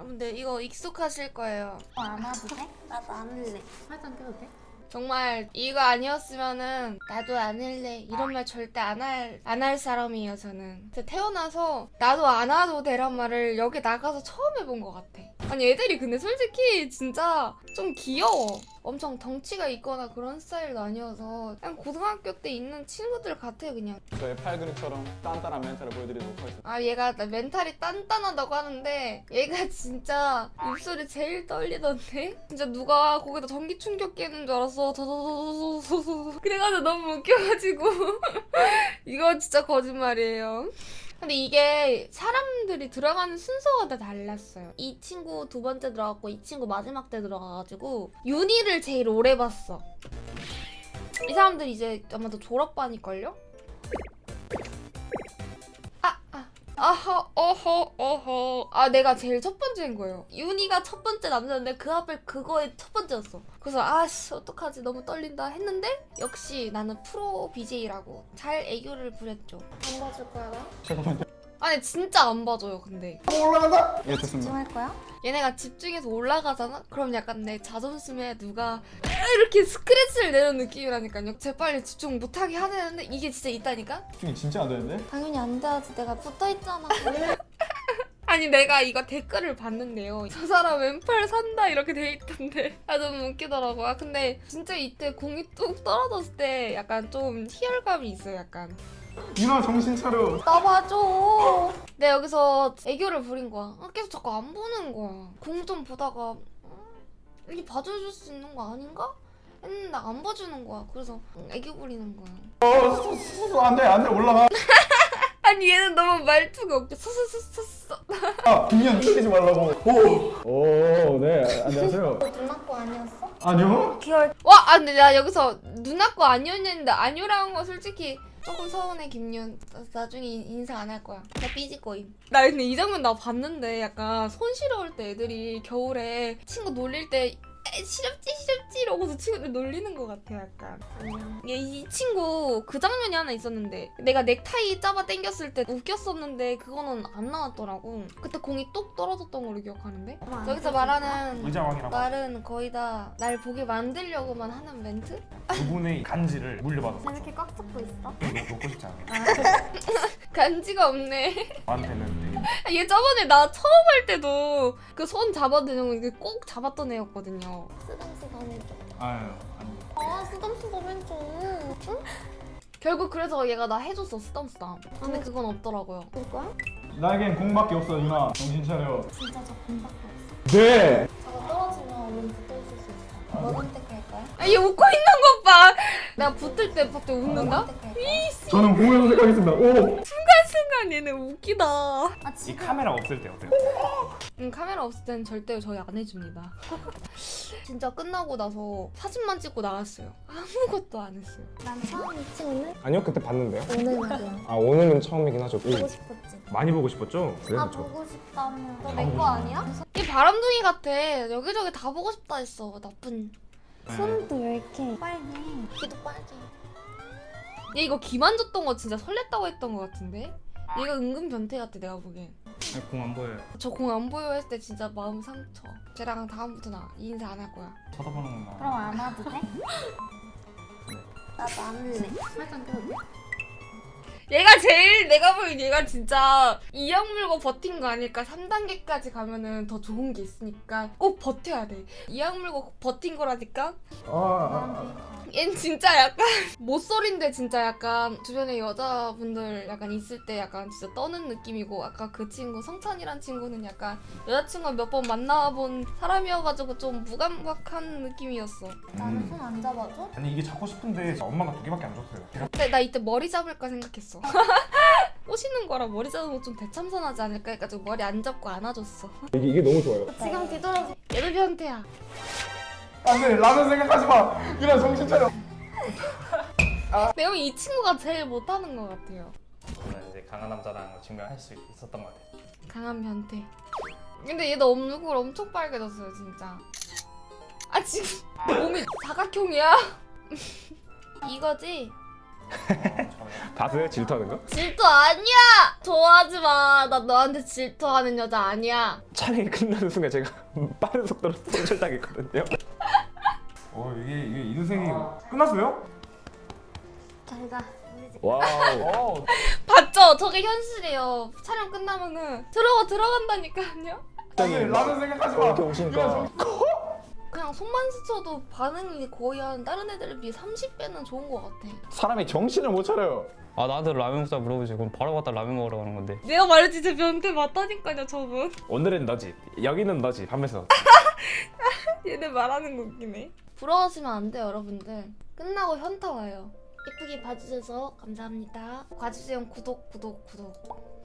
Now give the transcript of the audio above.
근데 이거 익숙하실 거예요. 안 와도 돼? 나도 안 할래. 화장 껴도 돼? 정말 이거 아니었으면은 나도 안 할래 이런 말 절대 안 할 사람이에요. 저는 진짜 태어나서 나도 안 와도 되란 말을 여기 나가서 처음 해본 것 같아. 아니 애들이 근데 솔직히 진짜 좀 귀여워. 엄청 덩치가 있거나 그런 스타일도 아니어서 그냥 고등학교 때 있는 친구들 같아요. 그냥 저의 팔 근육처럼 단단한 멘탈을 보여드리도록 하겠습니다. 아 얘가 나 멘탈이 단단하다고 하는데 얘가 진짜 입술이 제일 떨리던데? 진짜 누가 거기다 전기 충격 끼는 줄 알았어. 더더더더더더더 그래가지고 너무 웃겨가지고 이거 진짜 거짓말이에요. 근데 이게 사람들이 들어가는 순서가 다 달랐어요. 이 친구 두 번째 들어갔고 이 친구 마지막 때 들어가가지고 윤희를 제일 오래 봤어. 이 사람들 이제 아마도 졸업반일걸요? 어허. 아, 내가 제일 첫 번째인 거예요. 윤희가 첫 번째 남자인데 그 앞에 그거의 첫 번째였어. 그래서 아씨 어떡하지 너무 떨린다 했는데 역시 나는 프로 BJ라고 잘 애교를 부렸죠. 안 봐줄 거야 나? 잠깐만요. 아니 진짜 안 봐줘요 근데. 올라간다. 예, 됐습니다. 집중할 거야? 얘네가 집중해서 올라가잖아? 그럼 약간 내 자존심에 누가 이렇게 스크래치를 내는 느낌이라니까요. 재빨리 집중 못하게 하는데 이게 진짜 있다니까? 집중이 진짜 안 되는데? 당연히 안 돼야지. 내가 붙어있잖아. 아니 내가 이거 댓글을 봤는데요. 저 사람 왼팔 산다 이렇게 돼 있던데 아 너무 웃기더라고. 아 근데 진짜 이때 공이 뚝 떨어졌을 때 약간 좀 희열감이 있어요. 약간 유나 정신 차려. 나 봐줘. 내가 여기서 애교를 부린 거야. 계속 자꾸 안 보는 거야. 공 좀 보다가 이렇게 봐줘줄 수 있는 거 아닌가? 했는데 안 봐주는 거야. 그래서 애교 부리는 거야. 안돼 올라가. 아니 얘는 너무 말투가 웃겨. 서서서서서. 아, 빙년 틀리지 말라고. 오, 네, 안녕하세요. 너 누나 거 아니었어? 아니요? 귀여울. 와, 아 근데 나 여기서 누나 거 아니었는데 아니라는 거 솔직히 조금 서운해. 김윤 나중에 인사 안 할 거야. 나 삐질 거임. 나 근데 이 장면 나 봤는데 약간 손 시려울 때 애들이 겨울에 친구 놀릴 때 시렵지 이러고서 친구들 놀리는 것 같아 약간. 이 친구 그 장면이 하나 있었는데 내가 넥타이 잡아 당겼을 때 웃겼었는데 그거는 안 나왔더라고. 그때 공이 뚝 떨어졌던 걸로 기억하는데 여기서 말하는 의자왕이라고 말은 거의 다 날 보게 만들려고만 하는 멘트? 그분의 간지를 물려받았어. 왜 이렇게 꽉 잡고 있어? 놓고 싶지 않아. 간지가 없네. 나한테는 되게 얘 저번에 나 처음 할 때도 그 손 잡아드는 거 꼭 잡았던 애였거든요. 쓰담쓰담 해줘. 아유 아니. 아 쓰담쓰담 해줘. 응? 결국 그래서 얘가 나 해줬어 쓰담쓰담. 근데 그건 없더라고요. 볼 거야? 나에겐 공밖에 없어, 유나. 정신 차려. 진짜 저 공밖에 없어. 네. 저거 떨어지면 얼른 붙어있을 수 있어. 뭐 선택할 거야? 아, 얘 웃고 있는 것 봐. 내가 붙을 때 갑자기 웃는다? 뭐 선택할 거야? 저는 공을 선택하겠습니다. 오. 순간 얘네 웃기다. 아 이 지금 카메라 없을 때 어때요? 카메라 없을 땐 절대 저희 안 해줍니다. 진짜 끝나고 나서 사진만 찍고 나왔어요. 아무것도 안 했어요. 난 처음 이 친구는 아니요, 그때 봤는데요. 오늘 말이야. 아, 오늘은 처음이긴 하죠. 보고 싶었지. 많이 보고 싶었죠? 아 그래서 저 보고 싶다며. 너 내 거 아니야? 이 바람둥이 같아. 여기저기 다 보고 싶다 했어. 나쁜. 손도 왜 이렇게 빨개? 귀도 빨개. 얘 이거 귀 만졌던 거 진짜 설렜다고 했던 거 같은데? 얘가 은근 변태 같아 내가 보기엔. 공 안 보여요. 저 공 안 보여 했을 때 진짜 마음 상처. 쟤랑 다음부터 나 인사 안 할 거야. 쳐다보는구나. 그럼 안 와도 돼? 나도 안 할래. 화장 껴도 돼? 얘가 제일 내가 보기엔 얘가 진짜 이악 물고 버틴 거 아닐까. 3단계까지 가면은 더 좋은 게 있으니까 꼭 버텨야 돼. 이악 물고 버틴 거라니까. 얜 진짜 약간 모쏠인데 진짜 약간 주변에 여자분들 약간 있을 때 약간 진짜 떠는 느낌이고, 아까 그 친구 성찬이란 친구는 약간 여자친구 몇 번 만나본 사람이어가지고 좀 무감각한 느낌이었어. 나는 손 안 잡아줘? 아니 이게 잡고 싶은데 엄마가 2개밖에 안 줬어요. 제가 근데 나 이때 머리 잡을까 생각했어. 꼬시는 거랑 머리 잡으면 좀 대참선하지 않을까 해가지고 머리 안 잡고 안아줬어. 이게 너무 좋아요. 지금 뒤돌아서 얘도 변태야. 안돼, 라면 생각하지 마. 유나 정신 차려. 내가 보기엔 이 친구가 제일 못하는 것 같아요. 저는 이제 강한 남자라는 걸 증명할 수 있었던 것 같아요. 강한 변태. 근데 얘도 얼굴 엄청 빨개졌어요 진짜. 아 지금 몸이 사각형이야? 이거지? 봤어요? 질투하는 거? 질투 아니야! 좋아하지 마. 나 너한테 질투하는 여자 아니야. 촬영이 끝나는 순간 제가 빠른 속도로 손절당했거든요. 이게 인생이 끝났어요? 잘 가. 와우. 봤죠? 저게 현실이에요. 촬영 끝나면은 들어간다니까요. 라는 생각하지 마. 이렇게 오시니까 그냥 손만 스쳐도 반응이 거의 한 다른 애들에 비해 30배는 좋은 것 같아. 사람이 정신을 못 차려요. 아 나한테 라면 먹자 물어보지 그럼 바로 갔다 라면 먹으러 가는 건데. 내가 말했지 제 변태 맞다니까요 저분. 오늘은 너지, 여기는 너지 하면서 얘네 말하는 거 웃기네. 부러워하시면 안 돼요 여러분들. 끝나고 현타 와요. 예쁘게 봐주셔서 감사합니다. 과주세요 구독.